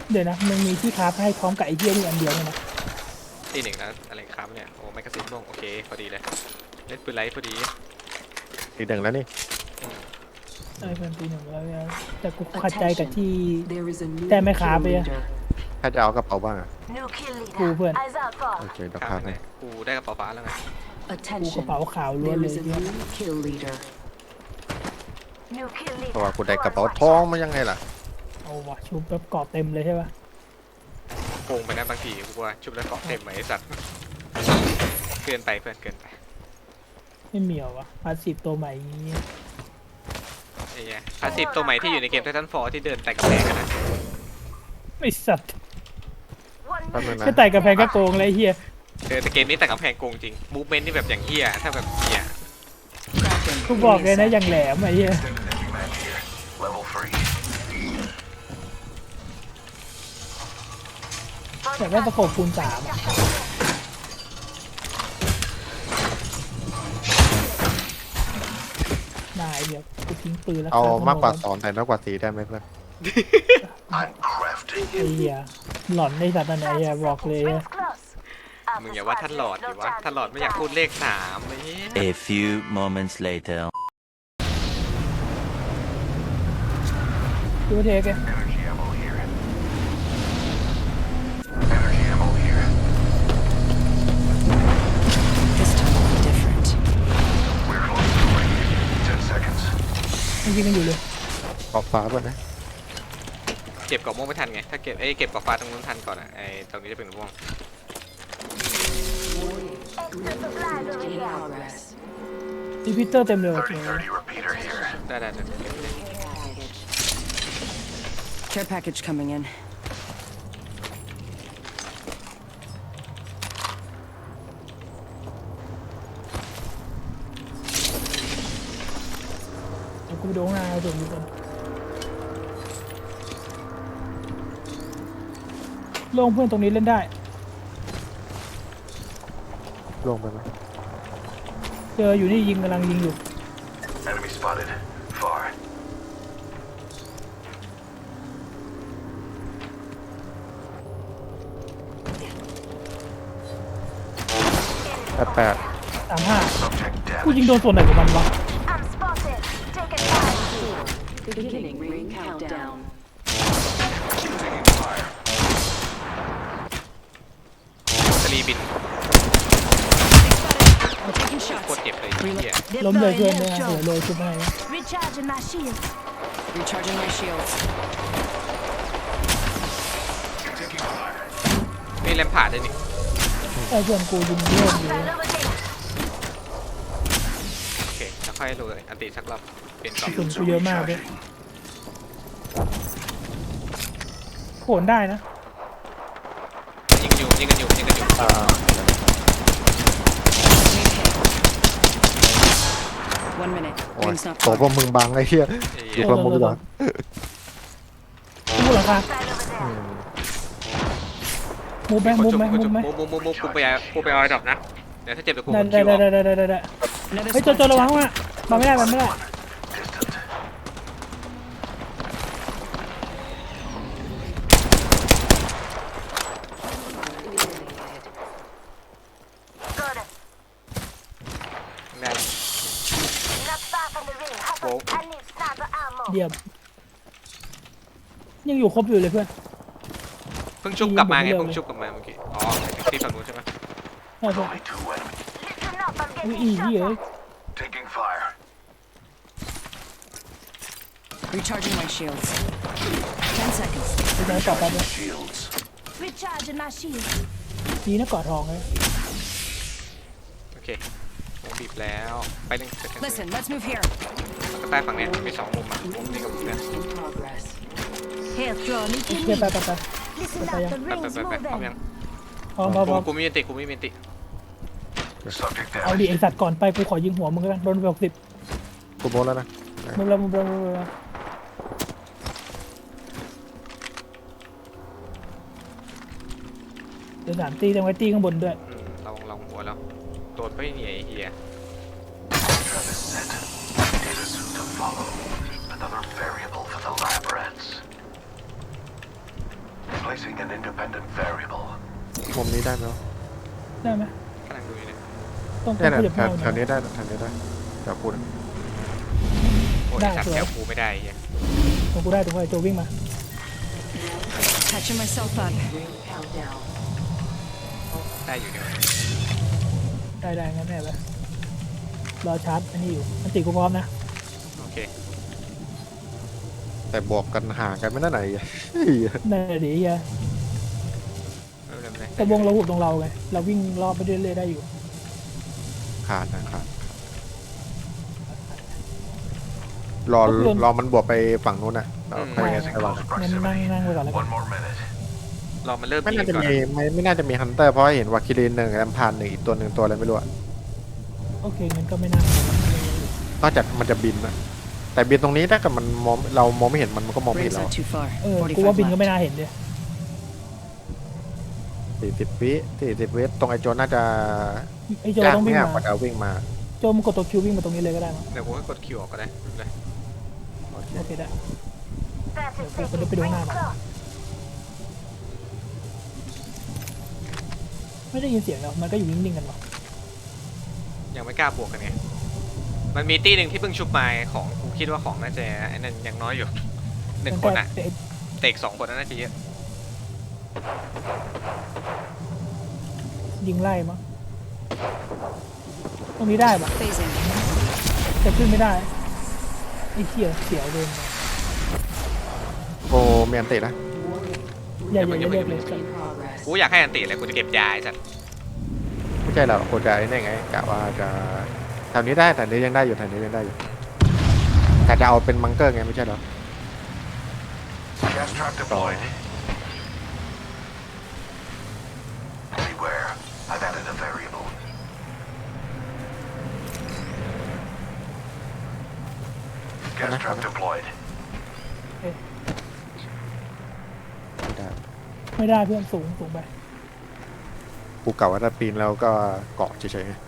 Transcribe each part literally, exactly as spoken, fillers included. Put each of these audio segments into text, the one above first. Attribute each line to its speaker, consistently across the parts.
Speaker 1: เดี๋ยวนะมึงมีที่คราฟให้พร้อมกับไอ้เหี้ยนี่อันเดียวเลยนะ
Speaker 2: ตีหนึ่งแล้วอะไรครับเนี่ยโอ้ไม่กระสินลงโอเคพอดีเลยเล่นปืนไลท์พอดี
Speaker 3: ตีหนึ่งแล้วนี่
Speaker 1: เออเป็นปีหนึ่งแล้วแต่กูขัดใจกับที่แต่ไม่คราฟไปอะ
Speaker 3: ถ้าจะเอากระเป๋าบ้างอะ
Speaker 1: กูเพื่อน
Speaker 3: โอเคเดี๋ยว
Speaker 2: ค
Speaker 3: พา
Speaker 2: รับ
Speaker 3: ไป
Speaker 2: เนี่ยกูได้กระเป๋าฟ้าแล้วไง
Speaker 1: กูกระเป๋าขาวล้วนเลยเนี่ย
Speaker 3: เพราะว่ากูได้กระเป๋าทองมายังไงล่ะ
Speaker 1: เอาวะชุบแบบเกาะเต็มเลยใช่ปะ
Speaker 2: โกงไปนะบางทีกูว่าชุบแล้วเกาะเต็มไหมไอ้สัตว์เกินไปเพื่อนเกินไป
Speaker 1: ไม่มีเหรอวะพาสซีฟตัวใหม่อย่างงี้
Speaker 2: ไอ้เงี้ยพาสซีฟตัวใหม่ที่อยู่ในเกมไททันฟอร์ที่เดินแต่กระแพงกันนะ
Speaker 1: ไม่สัตว์
Speaker 3: แ
Speaker 1: แค่ไต่กระแพงก็โกงเลยเฮีย
Speaker 2: เออแต่เกมนี้แต่กระแพงโกงจริงมูฟเมนต์นี่แบบอย่างเฮียถ้าแบบเฮีย
Speaker 1: กูบอกเลยนะอย่างแหลมไอ้เฮียแต่ว่าประกบคูณสามนายเดี๋ยวกูทิ้งปืนแล้ว
Speaker 3: เอามากกว่าสองแต่น้อยกว่าสี่ได้ไหมเพื่อน
Speaker 1: ไอ้เหี้ยหลอนในสัตว์อะไรอ่ะบอกเลย
Speaker 2: มึงอย่าว่าท่านหลอดดิวะท่านหลอดไม่อยากพูดเลขสามไอ้เหี้ย
Speaker 4: A few moments later
Speaker 1: ดูเทกยิงกันอยู่เลย
Speaker 3: ขอบฟ้าป่ะนะ
Speaker 2: เก็บกรอบม่วงไม่ทันไงถ้าเก็บเอ้เก็บกรอบฟ้าตรงนู้นทันก่อนอ่ะไอ้ตรงนี้จะเป็นม่วง
Speaker 1: รีพิเตอร์เต็มเลยโอเค
Speaker 2: ได้ได้ได้
Speaker 5: Care package coming in.
Speaker 1: เดี๋ยวกูไปดูข้างหน้าเอาตัวนี้ก่อนลงเพื่อนตรงนี้เล่นได้
Speaker 3: ลงไปไหม
Speaker 1: เจออยู่นี่ยิงกำลังยิงอยู่
Speaker 3: แปดแปด
Speaker 1: สามห้ากูยิงโดนส่วนไหนของมันวะ
Speaker 2: สลีบินโคตรเจ็บเลยเหี้ย
Speaker 1: ล้มเลยเพื่อนเนี่ยเหลือเลยชุบให้
Speaker 5: Recharging my shields.
Speaker 2: นี่แลมผ่าได้นี่
Speaker 1: ไอ้เพื่อนกูยิงเลื่อนอยู่
Speaker 2: โอเคแล้วค่อยเลยอันติสักรอบเปลี่ยนกรอบ
Speaker 1: ส่วนกูเยอะมากด้วยโขนได้นะ
Speaker 2: ยิงอยู่ยิงกันอยู่ยิงกันอยู่
Speaker 3: อ่า
Speaker 5: One minute.
Speaker 3: โอ้ย
Speaker 5: Ring's not
Speaker 3: โตพวกมึงบังไอ้เหี้ยอยู่กับมึงก่อน
Speaker 1: มูหลังคามูไหมมูไหมมูไหม
Speaker 2: มูมูมูมูกูไปกูไปเอาดอกนะเดี๋ยวถ้าเจ็บเดี๋ยวกู
Speaker 1: ได้
Speaker 2: คิว
Speaker 1: ได้ได้ได้ได้ได้เฮ้ยโจโจระวังว่ะมาไม่ได้มาไม่ได้เยี่ยมยังอยู่ครบอยู่เลยเพื่อน
Speaker 2: เพิ่งชุบกลับมาไงเพิ่งชุบกลับมาเมื่อกี้อ๋อที่ฝั่งนู้นใช่ไหม
Speaker 1: ใช่ใช่อุ้ยอีเหี้ย
Speaker 5: Recharging my shields. Ten seconds.
Speaker 1: ไปไหนต่อไปเนี่ยดีนะกอดทองเลย
Speaker 2: โอเคผมบีบแล้วไปหนึ่ง
Speaker 5: Listen, let's move here.
Speaker 2: ก็ใต้ฝั่งเนี้ยมีสองมุมอ่ะมุมนี้กับมุมเนี้ย
Speaker 1: เดี๋ยวไปไปไปไปยัง
Speaker 2: ไปไปไปไปพร้อมยัง
Speaker 1: พร้อมพร้อมพร้อม
Speaker 2: กูไม่มีติกูไม่มีติ
Speaker 1: เอาดิไอสัตว์ก่อนไปกูขอยิงหัวมึงกันโดนไปหกสิบ
Speaker 3: กูโบนแล้วนะ
Speaker 1: มึงแล้วมึงแล้วมึงแล้วเดี๋ยวสามตีต้องไว้ตีข้างบนด้วย
Speaker 2: ลองลองหัวแล้วโดนไปเหนียเฮีย
Speaker 6: Placing an independent variable.
Speaker 3: มุมนี้ได้ไหมวะ
Speaker 1: ได้ไหม
Speaker 2: กำลังดูอยู่เนี่ย
Speaker 1: ต้องต้
Speaker 3: เนี่
Speaker 1: อย ง
Speaker 3: นะ
Speaker 1: ขยับ
Speaker 3: แถ
Speaker 1: เมาว
Speaker 3: แถวนี้ได้แถวนี้ได้แถวกูนะ
Speaker 2: โอ้ยไอ้สัตว์แถวกูไม่ได้เหี้ย
Speaker 1: ตรงกูได้ตรงกูได้โจวิ่งมา
Speaker 5: Catching myself up.
Speaker 2: ได้อยู่เนี่ย
Speaker 1: ได้ได้งั้นแน่ไปรอชาร์จอันนี้อยู่อันติกูพร้อมนะ
Speaker 2: โอเค
Speaker 3: แต่บวกกันห่างกันไม่ได้ไหนอ่ะ
Speaker 1: นั่นแหละดิเฮีย
Speaker 2: ไม่เป็นไร
Speaker 1: แต่วงเราหุบตรงเราไงเราวิ่งรอบไปเรื่อยๆได้อยู่
Speaker 3: ขาดนะขาดรอรอมันบวกไปฝั่งนู้นน่ะเราค่อยใช้วาง
Speaker 1: งั้นนั่งนั่งไปก่อนแล้วกัน
Speaker 6: One more minute.
Speaker 2: รอมันเริ่ม
Speaker 3: ไม่
Speaker 2: ยิง
Speaker 3: น่าจะ
Speaker 2: ก่อน
Speaker 3: มีไม่ไม่น่าจะมีฮันเตอร์เพราะเห็นวาคิรินหนึ่งแอมพานหนึ่งอีกตัวหนึ่งตัวอะไรไม่รู้อะ
Speaker 1: โอเคงั้นก็ไม่น่าน
Speaker 3: อกจากมันจะบินนะแต่บินตรงนี้ถ้าเกิดมันมองเรามองไม่เห็นมันมันก็มองไม่เห็น
Speaker 5: Ring's
Speaker 3: เรา
Speaker 5: not too far.
Speaker 1: เออกูว่า
Speaker 5: forty-five
Speaker 1: บินก็ไม่
Speaker 5: left.
Speaker 1: น่าเห็นเลย
Speaker 3: สี่สิบวิสี่สิบวิตรงไอโจน่าจะ
Speaker 1: ไอโจ
Speaker 3: ยาก
Speaker 1: ต้องวิ่ง
Speaker 3: เนี่ยก
Speaker 1: มา
Speaker 3: ว่าจะวิ่งมา
Speaker 1: โจมันกดตัวคิววิ่งมาตรงนี้เลยก็ได้มั้ง
Speaker 2: เดี๋ยวกูให้กดคิวออกก็ได้ไม่เป็นไร
Speaker 1: โอเคได้เดี๋ยวกูจะไปดูข้างหน้าก่อนไม่ได้ยินเสียงแล้วมันก็อยู่นิ่งๆกันหรอ
Speaker 2: ยังไม่กล้าบวกกันไงมันมีตี้หนึ่งที่เพิ่งชุบมาของกูคิดว่าของน่าจะไอ้นั่นยังน้อยอยู่หนึ่งคนอะ
Speaker 1: แต่
Speaker 2: เตกสองคนน่าจะเยอะ
Speaker 1: ยิงไล่มั้งตรงนี้ได้ปะ
Speaker 5: Phasing.
Speaker 1: แต่ขึ้นไม่ได้ไอ้เหี้ยเสียวเดินมา
Speaker 3: โกเมียนตินะ
Speaker 1: อย่าอย่าอย่าเรียกเลย
Speaker 2: กูอยากให้อันติเลยกูจะเก็บยาไอ้สัตว์
Speaker 3: ไม่ใช่หรอกโคจะไอ้นี่ไงกะว่าจะแถวนี้ได้แต่นี้ยังได้อยู่แถวนี้ยังได้อยู่แต่จะเอาเป็นมังเกอร์ไงไม่ใช่เหรอ
Speaker 6: Gas trap deployed. Beware. I've added a variable. Gas trap deployed.
Speaker 3: ไม่ได้
Speaker 1: ไม่ได้เพื่อนสูงสูงไป
Speaker 3: กูเก่าว่าถ้าปีนแล้วก็เกาะเฉยๆไง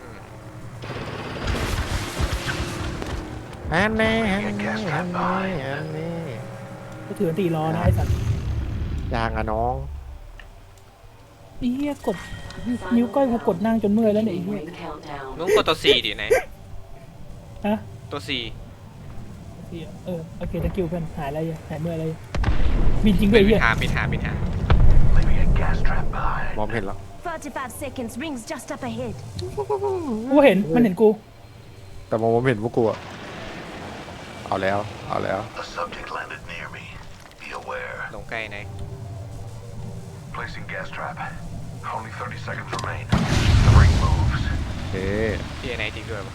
Speaker 3: อันนี้อันนี้อันนี้อันนี้
Speaker 1: ก็ถือตีรอนะไอ้สัตว์
Speaker 3: ยางอะน้อง
Speaker 1: ไอ้เหี้ยกดนิ้วก้อยกูกดนั่งจนเมื่อยแล้วเนี่ยไอ้เหี้ย
Speaker 2: มึงกดตัว C ดิไหน
Speaker 1: ฮะ
Speaker 2: ตัว C
Speaker 1: เหี้ยเออโอเคตะกิ้วเพื่อนหายอะไรหายเมื่อยอะไรบินจริงด้
Speaker 2: เป็
Speaker 1: วย
Speaker 2: น
Speaker 1: ไอ้
Speaker 2: ปิ
Speaker 1: เหี้
Speaker 2: ด
Speaker 1: ย
Speaker 2: หาปิดหาปิดหา
Speaker 6: Leaving a gas trap behind.
Speaker 3: มองไม่เห็นหรอก
Speaker 7: Forty-five seconds. Rings just up ahead.
Speaker 1: กูเห็นมันเห็นกู
Speaker 3: แต่มองไม่เห็นพวกกูอะเอาแล้วเอาแล้ว
Speaker 6: A subject landed near me. Be aware.
Speaker 2: ลงใกล้ไหน
Speaker 6: Placing gas trap. Only thirty seconds remain. The ring moves.
Speaker 3: เอ๊ะ
Speaker 2: พี่ไหนจริงด้วยปะ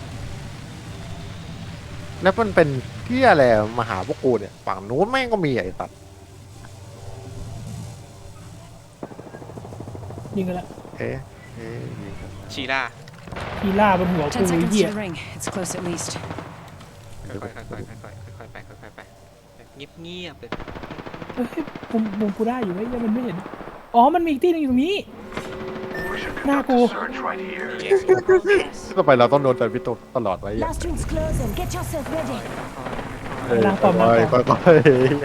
Speaker 3: แล้วมันเป็นเที่ยอะไรมาหาพวกกูเนี่ยฝั่งนู้นแม่งก็มีไอ้ตัด
Speaker 1: ยิงกันละ
Speaker 3: เอ๊ะเอ๊ะยิงกัน
Speaker 2: ชีล่า
Speaker 1: ทีล่าบนหัวกู
Speaker 5: Ten
Speaker 1: ไอ้
Speaker 5: seconds
Speaker 1: เหี้ย
Speaker 5: to the ring. It's close at least.
Speaker 2: ค่อยๆค่อยๆค่อยๆค่อยๆไปค่อยๆไปเงียบเงียบๆเลย
Speaker 1: เฮ้ยมุมมุมกูได้อยู่ไอ้เหี้ยมันไม่เห็นอ๋อมันมีอีกที่หนึงอยู่ตรงนี้
Speaker 6: We should
Speaker 1: Nah,
Speaker 6: conduct
Speaker 1: cool.
Speaker 6: a search right here.
Speaker 3: ต่อไปเราต้องโดนแต่พิโตตลอดไว้อย่าง
Speaker 7: Last ring's closing. Get yourself ready.
Speaker 3: เอ้ย
Speaker 1: ล้างปอมล้างปอม
Speaker 3: ค่อย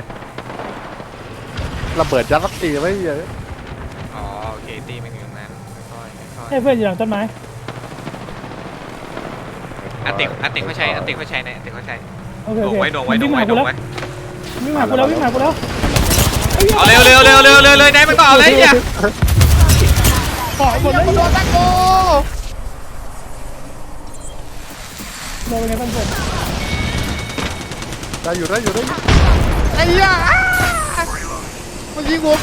Speaker 3: ๆระเบิดยัดสักทีไว้เยอะ
Speaker 2: อ๋อโอเคตีมันอยู่ตรงนั้นค่อยๆค่อย
Speaker 1: ให้เพื่อนอยู่หลังต้นไม้
Speaker 2: ๆอันติอันติเขาใช้อันติเขาใช้ในอันติเขาใช้
Speaker 1: โอเค
Speaker 2: โด
Speaker 1: โอง เค
Speaker 2: ไว้โดงไว้โดงไว้โดงไว้
Speaker 1: วิ่งมาหากูแล้ววิ่งมาหากูแล้ว
Speaker 2: เอาเร็วเร็วเร็วเร็วเร็วเลยได้มันก็เอาเลยเนี่ย
Speaker 1: ขอหมดเลยโดนตะโกโดนเป็นไงบ้างเพื่อน
Speaker 3: ได้อยู่ได้อยู่ได้อยู่ไอ้ยามันยิงหัวกู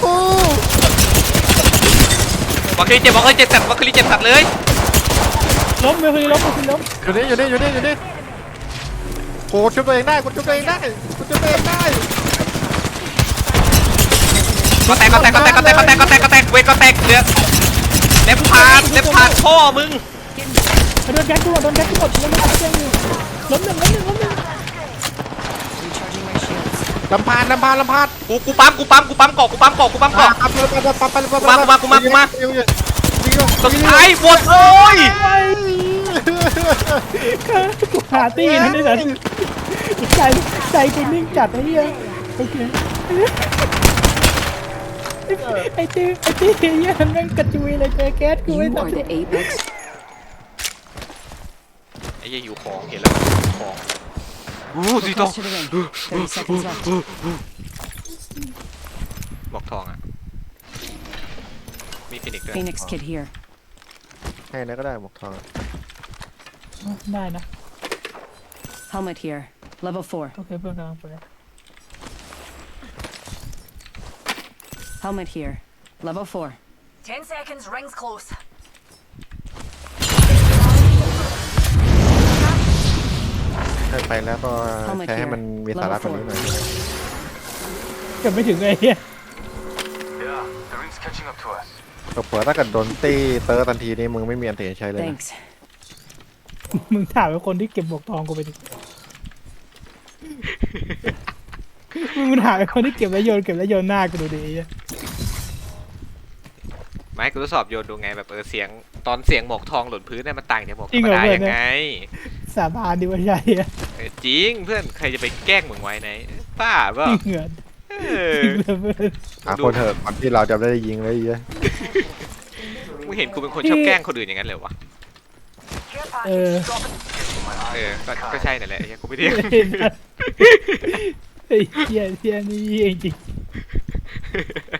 Speaker 2: บอกคือเจ็บบอกคือเจ็บสัตว์บอกคือเจ็บสัตว์เลย
Speaker 1: ล้มเบลคือล้มเบลคือล้ม
Speaker 3: อยู่นี่อยู่นี่อยู่นี่อยู่นี่กูชุบตัวเองได้กูชุบตัวเองได้กูชุบตัวเองได้
Speaker 2: ก็แตกก็แตกก็แตกก็แตกก็แตกก็แตกก็แตกเวทก็แตกเดือดเล็บผ่านเล็บผ่านพ่อมึง
Speaker 1: โดนแก๊สกูหมดโดนแก๊สกูหมดล้มไม่ได้เจ้าอยู่ล้มหนึ่งล้มหนึ่งล้มหนึ่ง
Speaker 5: Recharging my shields.
Speaker 3: ลำพานลำพานลำพาน
Speaker 2: กูกูปั๊มกูปั๊มกูปั๊มเกาะกูปั๊มเกาะกูปั๊มเกาะ
Speaker 3: ปั๊บปั๊บปั๊บปั๊บปั๊บปั๊บ
Speaker 2: กูมากูมากูมากูมา
Speaker 3: ยิงยิงยิงยิง
Speaker 2: สุดท้ายหมดโอ้ย
Speaker 1: กูหาตีนั่นนี่นะใจใจกูนิ่งจัดไอ้เหี้ยโอเคไอ้ตีไอ้ตีเหี้ยแม่งกระจุยเลยเจอแก๊สกู
Speaker 5: You
Speaker 1: ไม่
Speaker 5: are
Speaker 1: ทำ
Speaker 5: the apex.
Speaker 2: ไอ้เหี้ยอยู่ของเห็นแล้วของอู้สีทอง
Speaker 5: Close to the ring. Thirty seconds left.
Speaker 2: บอกทองอ่ะมีฟินิกด้วย
Speaker 5: Phoenix kit here.
Speaker 3: ให้นะก็ได้หมวกทอง
Speaker 1: ได้นะ
Speaker 5: Helmet here. Level four.
Speaker 1: โอเคเพื่อนกำลังไป
Speaker 5: Helmet here. Level four.
Speaker 7: Ten seconds, rings close.
Speaker 3: ให้ไปแล้วก็ใช้ให้มันมีสาระกว่านี้หน่อย
Speaker 1: เกือบไม่ถึงเลยเฮีย
Speaker 6: Yeah, the ring's catching up to us.
Speaker 3: เผื่อถ้าเกิดโดนตีเตอร์ทันทีนี่มึงไม่มีอันเทใช้เลยนะ
Speaker 5: Thanks.
Speaker 1: มึงถามไอ้คนที่เก็บหมวกทองกูไปดิมึงถามไอ้คนที่เก็บแล้วโยนเก็บแล้วโยนหน้ากูดูดิไอ้เหี้ย
Speaker 2: ไม่กูทดสอบโยนดูไงแบบเออเสียงตอนเสียงหมอกทองหล่นพื้นเนี่ยมันต่างจากหมอกธ
Speaker 1: จริ
Speaker 2: รง ร
Speaker 1: เหร
Speaker 2: ม
Speaker 1: อ
Speaker 2: ดา
Speaker 1: เพื่อน
Speaker 2: ยังไง
Speaker 1: สาบานดิว่าใช่อะ
Speaker 2: เออจริงเพื่อนใครจะไปแกล้งมึงไว้ไหนป้าเปล่า
Speaker 1: จริงเหรอ
Speaker 2: เออ
Speaker 1: จริงเหรอเพื่อน
Speaker 3: หาคนเถอะก่อนที่เราจะได้ยิงเลยไอ้เหี้ย
Speaker 2: มึงเห็นกูเป็นคนชอบแกล้งคนอื่นอย่างนั้นเลยวะ
Speaker 1: เออ
Speaker 2: เออก็ก็ใช่นั่นแหละไอ้เหี้ยกูไม่เรียก
Speaker 1: ไอ้เหี้ยเหี้ยนี่เองจริง